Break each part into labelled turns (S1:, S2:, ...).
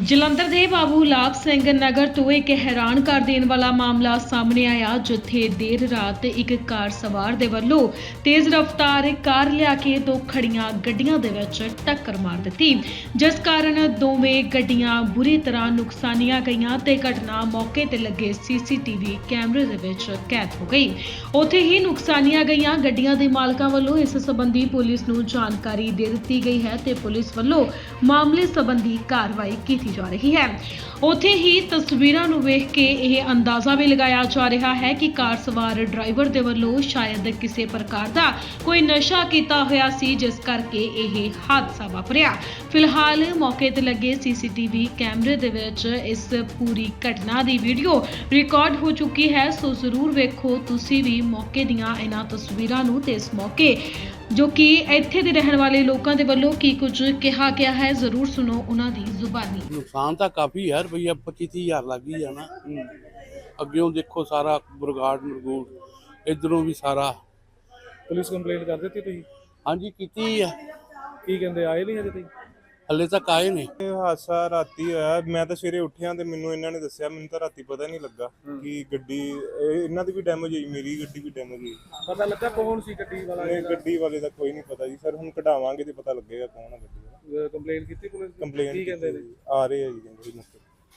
S1: ਜਲੰਧਰ ਦੇ ਬਾਬੂ ਲਾਭ ਸਿੰਘ ਨਗਰ ਤੋਂ ਇੱਕ ਹੈਰਾਨ ਕਰ ਦੇਣ ਵਾਲਾ ਮਾਮਲਾ ਸਾਹਮਣੇ ਆਇਆ, ਜਿੱਥੇ ਦੇਰ ਰਾਤ ਇੱਕ ਕਾਰ ਸਵਾਰ ਦੇ ਵੱਲੋਂ ਤੇਜ਼ ਰਫ਼ਤਾਰ ਕਾਰ ਲਿਆ ਕੇ ਦੋ ਖੜੀਆਂ ਗੱਡੀਆਂ ਦੇ ਵਿੱਚ ਟੱਕਰ ਮਾਰ ਦਿੱਤੀ, ਜਿਸ ਕਾਰਨ ਦੋਵੇਂ ਗੱਡੀਆਂ ਬੁਰੀ ਤਰ੍ਹਾਂ ਨੁਕਸਾਨੀਆਂ ਗਈਆਂ ਤੇ ਘਟਨਾ ਮੌਕੇ ਤੇ ਲੱਗੇ ਸੀਸੀਟੀਵੀ ਕੈਮਰੇ ਦੇ ਵਿੱਚ ਕੈਦ ਹੋ ਗਈ। ਉੱਥੇ ਹੀ ਨੁਕਸਾਨੀਆਂ ਗਈਆਂ ਗੱਡੀਆਂ ਦੇ ਮਾਲਕਾਂ ਵੱਲੋਂ ਇਸ ਸੰਬੰਧੀ ਪੁਲਿਸ ਨੂੰ ਜਾਣਕਾਰੀ ਦੇ ਦਿੱਤੀ ਗਈ ਹੈ ਤੇ ਪੁਲਿਸ ਵੱਲੋਂ ਮਾਮਲੇ ਸੰਬੰਧੀ ਕਾਰਵਾਈ ਕੀਤੀ ਜਾ ਰਹੀ ਹੈ। ਉੱਥੇ ਹੀ ਤਸਵੀਰਾਂ ਨੂੰ ਵੇਖ ਕੇ ਇਹ ਅੰਦਾਜ਼ਾ ਵੀ ਲਗਾਇਆ ਜਾ ਰਿਹਾ ਹੈ ਕਿ ਕਾਰ ਸਵਾਰ ਡਰਾਈਵਰ ਦੇ ਵੱਲੋਂ ਸ਼ਾਇਦ ਕਿਸੇ ਪ੍ਰਕਾਰ ਦਾ ਕੋਈ ਨਸ਼ਾ ਕੀਤਾ ਹੋਇਆ ਸੀ, ਜਿਸ ਕਰਕੇ ਇਹ ਹਾਦਸਾ ਵਾਪਰਿਆ। ਫਿਲਹਾਲ ਮੌਕੇ ਤੇ ਲੱਗੇ ਸੀਸੀਟੀਵੀ ਕੈਮਰੇ ਦੇ ਵਿੱਚ ਇਸ ਪੂਰੀ ਘਟਨਾ ਦੀ ਵੀਡੀਓ ਰਿਕਾਰਡ ਹੋ ਚੁੱਕੀ ਹੈ, ਸੋ ਜ਼ਰੂਰ ਵੇਖੋ ਤੁਸੀਂ ਵੀ ਮੌਕੇ ਦੀਆਂ ਇਹਨਾਂ ਤਸਵੀਰਾਂ ਨੂੰ ਤੇ ਇਸ ਮੌਕੇ ਜੋ ਕਿ ਇੱਥੇ ਦੇ ਰਹਿਣ ਵਾਲੇ ਲੋਕਾਂ ਦੇ ਵੱਲੋਂ ਕੀ ਕੁਝ ਕਿਹਾ ਗਿਆ ਹੈ, ਜ਼ਰੂਰ ਸੁਣੋ ਉਹਨਾਂ ਦੀ ਜ਼ੁਬਾਨੀ।
S2: ਨੁਕਸਾਨ ਤਾਂ ਕਾਫੀ ਹੈ ਰੁਪਈਆ 25-30 ਹਜ਼ਾਰ ਲੱਗ ਹੀ ਜਾਣਾ। ਅੱਗਿਓਂ ਦੇਖੋ ਸਾਰਾ ਬਰਗਾੜ ਇਧਰੋਂ ਵੀ ਸਾਰਾ।
S3: ਪੁਲਿਸ ਕੰਪਲੇਂਟ ਕਰ ਦਿੱਤੀ ਤੁਸੀਂ?
S2: ਹਾਂਜੀ ਕੀਤੀ ਆ।
S3: ਕੀ ਕਹਿੰਦੇ, ਆਏ ਨਹੀਂ ਹਜੇ ਤੱਕ?
S2: ਹੱਲੇ ਤੱਕ ਆਏ ਨੇ।
S4: ਇਹ ਹਾਦਸਾ ਰਾਤੀ ਹੋਇਆ। ਮੈਂ ਤਾਂ ਸਵੇਰੇ ਉੱਠਿਆ ਤੇ ਮੈਨੂੰ ਇਹਨਾਂ ਨੇ ਦੱਸਿਆ, ਮੈਨੂੰ ਤਾਂ ਰਾਤੀ ਪਤਾ ਨਹੀਂ ਲੱਗਾ ਕਿ ਗੱਡੀ ਇਹਨਾਂ ਦੀ ਵੀ ਡੈਮੇਜ ਹੋਈ, ਮੇਰੀ ਗੱਡੀ ਵੀ ਡੈਮੇਜ ਹੋਈ।
S3: ਪਤਾ ਲੱਗਾ ਕੌਣ ਸੀ ਗੱਡੀ ਵਾਲਾ?
S4: ਇਹ ਗੱਡੀ ਵਾਲੇ ਦਾ ਕੋਈ ਨਹੀਂ ਪਤਾ ਜੀ ਸਰ, ਹੁਣ ਕਢਾਵਾਂਗੇ ਤੇ ਪਤਾ ਲੱਗੇਗਾ ਕੌਣ ਆ ਗੱਡੀ ਵਾਲਾ।
S3: ਕੰਪਲੇਂਟ ਕੀਤੀ ਪੁਲਿਸ ਨੇ?
S4: ਕੰਪਲੇਂਟ
S3: ਕੀ ਕਹਿੰਦੇ ਨੇ?
S4: ਆ ਰਹੇ ਆ ਜੀ, ਕਹਿੰਦੇ ਜੀ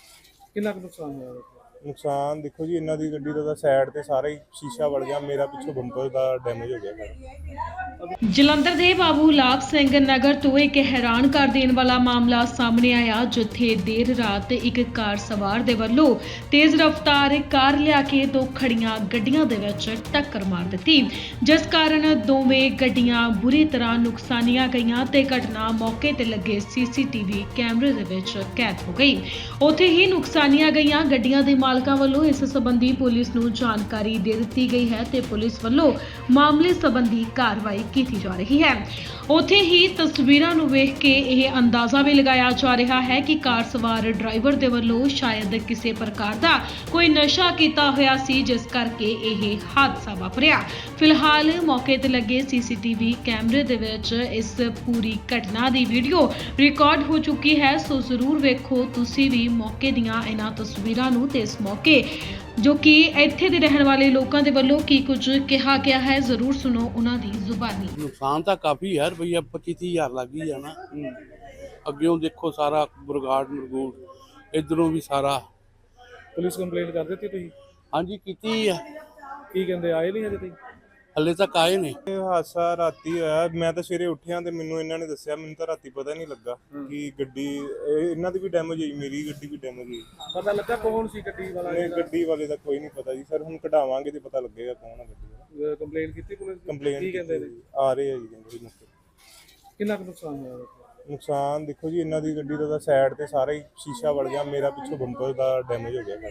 S3: ਕਿੰਨਾ ਕੁ ਨੁਕਸਾਨ ਹੋਇਆ?
S4: ਨੁਕਸਾਨ ਦੇਖੋ ਜੀ, ਇਹਨਾਂ ਦੀ ਗੱਡੀ ਦਾ ਸਾਈਡ ਤੇ ਸਾਰਾ ਹੀ ਸ਼ੀਸ਼ਾ ਵੜ ਗਿਆ, ਮੇਰਾ ਪਿੱਛੋਂ ਬੰਪਰ ਦਾ ਡੈਮੇਜ ਹੋ ਗਿਆ ਸਾਰਾ।
S1: ਜਲੰਧਰ ਦੇ ਬਾਬੂ ਲਾਭ ਸਿੰਘ ਨਗਰ ਤੋਂ ਇੱਕ ਹੈਰਾਨ ਕਰ ਦੇਣ ਵਾਲਾ ਮਾਮਲਾ ਸਾਹਮਣੇ ਆਇਆ, ਜਿੱਥੇ ਦੇਰ ਰਾਤ ਇੱਕ ਕਾਰ ਸਵਾਰ ਦੇ ਵੱਲੋਂ ਤੇਜ਼ ਰਫ਼ਤਾਰ ਕਾਰ ਲਿਆ ਕੇ ਦੋ ਖੜੀਆਂ ਗੱਡੀਆਂ ਦੇ ਵਿੱਚ ਟੱਕਰ ਮਾਰ ਦਿੱਤੀ, ਜਿਸ ਕਾਰਨ ਦੋਵੇਂ ਗੱਡੀਆਂ ਬੁਰੀ ਤਰ੍ਹਾਂ ਨੁਕਸਾਨੀਆਂ ਗਈਆਂ ਤੇ ਘਟਨਾ ਮੌਕੇ ਤੇ ਲੱਗੇ ਸੀਸੀਟੀਵੀ ਕੈਮਰੇ ਦੇ ਵਿੱਚ ਕੈਦ ਹੋ ਗਈ। ਉੱਥੇ ਹੀ ਨੁਕਸਾਨੀਆਂ ਗਈਆਂ ਗੱਡੀਆਂ ਦੇ ਮਾਲਕਾਂ ਵੱਲੋਂ ਇਸ ਸੰਬੰਧੀ ਪੁਲਿਸ ਨੂੰ ਜਾਣਕਾਰੀ ਦੇ ਦਿੱਤੀ ਗਈ ਹੈ ਤੇ ਪੁਲਿਸ ਵੱਲੋਂ ਮਾਮਲੇ ਸੰਬੰਧੀ ਕਾਰਵਾਈ ਕੀਤੀ ਜਾ ਰਹੀ ਹੈ। ਉੱਥੇ ਹੀ ਤਸਵੀਰਾਂ ਨੂੰ ਵੇਖ ਕੇ ਇਹ ਅੰਦਾਜ਼ਾ ਵੀ ਲਗਾਇਆ ਜਾ ਰਿਹਾ ਹੈ ਕਿ ਕਾਰ ਸਵਾਰ ਡਰਾਈਵਰ ਦੇ ਵੱਲੋਂ ਸ਼ਾਇਦ ਕਿਸੇ ਪ੍ਰਕਾਰ ਦਾ ਕੋਈ ਨਸ਼ਾ ਕੀਤਾ ਹੋਇਆ ਸੀ, ਜਿਸ ਕਰਕੇ ਇਹ ਹਾਦਸਾ ਵਾਪਰਿਆ। ਫਿਲਹਾਲ ਮੌਕੇ ਤੇ ਲੱਗੇ ਸੀਸੀਟੀਵੀ ਕੈਮਰੇ ਦੇ ਵਿੱਚ ਇਸ ਪੂਰੀ ਘਟਨਾ ਦੀ ਵੀਡੀਓ ਰਿਕਾਰਡ ਹੋ ਚੁੱਕੀ ਹੈ, ਸੋ ਜ਼ਰੂਰ ਵੇਖੋ ਤੁਸੀਂ ਵੀ ਮੌਕੇ ਦੀਆਂ ਇਹਨਾਂ ਤਸਵੀਰਾਂ ਨੂੰ ਤੇ ਇਸ ਮੌਕੇ ਜੋ ਕਿ ਇੱਥੇ ਦੇ ਰਹਿਣ ਵਾਲੇ ਲੋਕਾਂ ਦੇ ਵੱਲੋਂ ਕੀ ਕੁਝ ਕਿਹਾ ਗਿਆ ਹੈ, ਜ਼ਰੂਰ ਸੁਣੋ ਉਹਨਾਂ ਦੀ ਜ਼ੁਬਾਨੀ।
S2: ਨੁਕਸਾਨ ਤਾਂ ਕਾਫੀ ਹੈ ਰੁਪਈਆ 25-30 ਹਜ਼ਾਰ ਲੱਗ ਹੀ ਜਾਣਾ। ਅੱਗਿਓਂ ਦੇਖੋ ਸਾਰਾ ਬਰਗਾੜ ਇਧਰੋਂ ਵੀ ਸਾਰਾ।
S3: ਪੁਲਿਸ ਕੰਪਲੇਂਟ ਕਰ ਦਿੱਤੀ ਤੁਸੀਂ?
S2: ਹਾਂਜੀ ਕੀਤੀ ਆ।
S3: ਕੀ ਕਹਿੰਦੇ, ਆਏ ਨਹੀਂ ਹਜੇ ਤੱਕ?
S2: ਹੱਲੇ ਤੱਕ ਆਏ ਨੇ।
S4: ਇਹ ਹਾਦਸਾ ਰਾਤੀ ਹੋਇਆ। ਮੈਂ ਤਾਂ ਸਵੇਰੇ ਉੱਠਿਆ ਤੇ ਮੈਨੂੰ ਇਹਨਾਂ ਨੇ ਦੱਸਿਆ, ਮੈਨੂੰ ਤਾਂ ਰਾਤੀ ਪਤਾ ਨਹੀਂ ਲੱਗਾ ਕਿ ਗੱਡੀ ਇਹਨਾਂ ਦੀ ਵੀ ਡੈਮੇਜ ਹੋਈ, ਮੇਰੀ ਗੱਡੀ ਵੀ ਡੈਮੇਜ ਹੋਈ।
S3: ਪਤਾ ਲੱਗਾ ਕੌਣ ਸੀ ਗੱਡੀ ਵਾਲਾ?
S4: ਇਹ ਗੱਡੀ ਵਾਲੇ ਦਾ ਕੋਈ ਨਹੀਂ ਪਤਾ ਜੀ ਸਰ, ਹੁਣ ਕਢਾਵਾਂਗੇ ਤੇ ਪਤਾ ਲੱਗੇਗਾ ਕੌਣ ਆ ਗੱਡੀ ਵਾਲਾ।
S3: ਕੰਪਲੇਂਟ ਕੀਤੀ ਪੁਲਿਸ ਨੇ?
S4: ਕੰਪਲੇਂਟ
S3: ਕੀ ਕਹਿੰਦੇ ਨੇ?
S4: ਆ ਰਹੇ ਆ ਜੀ, ਕਹਿੰਦੇ ਜੀ
S3: ਕਿੰਨਾ ਕੁ ਨੁਕਸਾਨ ਹੋਇਆ?
S4: ਨੁਕਸਾਨ ਦੇਖੋ ਜੀ, ਇਹਨਾਂ ਦੀ ਗੱਡੀ ਦਾ ਸਾਈਡ ਤੇ ਸਾਰਾ ਹੀ ਸ਼ੀਸ਼ਾ ਵੜ ਗਿਆ, ਮੇਰਾ ਪਿੱਛੋਂ ਬੰਪਰ ਦਾ ਡੈਮੇਜ ਹੋ ਗਿਆ।